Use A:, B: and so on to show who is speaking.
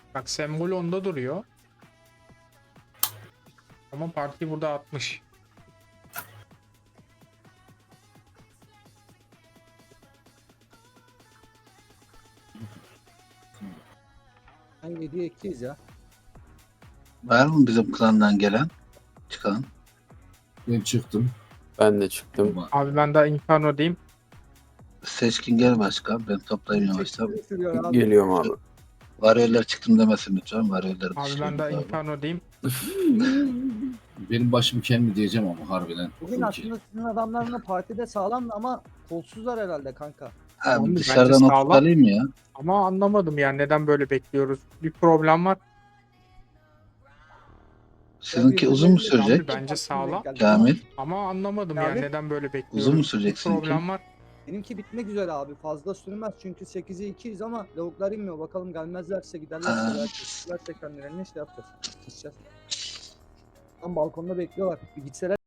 A: Bak sembol onda duruyor. Ama parti burada 60.
B: Ben 7'ye 2'yiz ya.
C: Var mı bizim klandan gelen? Çıkan.
D: Ben çıktım.
E: Ben de çıktım.
A: Abi ben daha Inferno'dayım.
C: Seçkin gel başkan. Ben toplayayım yavaştan.
B: Çekimi sürüyor abi.
E: Geliyorum abi.
C: Varyoller çıktım demesin lütfen. Varyoller
A: Abi ben daha Inferno'dayım.
D: Benim başım kendi diyeceğim ama harbiden.
B: Bugün aslında sizin adamların da partide sağlam ama kolsuzlar herhalde kanka.
C: Abi
A: Bence
C: dışarıdan
A: sağlam.
C: oturup alayım ya.
A: Ama anlamadım yani neden böyle bekliyoruz. Bir problem var.
C: Sizinki uzun mu sürecek?
A: Abi bence sağlam.
C: Kamil.
A: Ama anlamadım
B: Abi,
A: yani neden böyle bekliyoruz.
C: uzun mu sürecek
A: Bir
C: sizinki?
A: problem var.
B: Benimki bitmek üzere abi. Fazla sürmez çünkü 8'e 2'yiz ama lavuklar inmiyor. Bakalım gelmezlerse giderlerse
C: Aa.
B: belki giderlerse kendilerine şey yapacağız. Gideceğiz. Tam balkonda bekliyorlar. Bir gitseler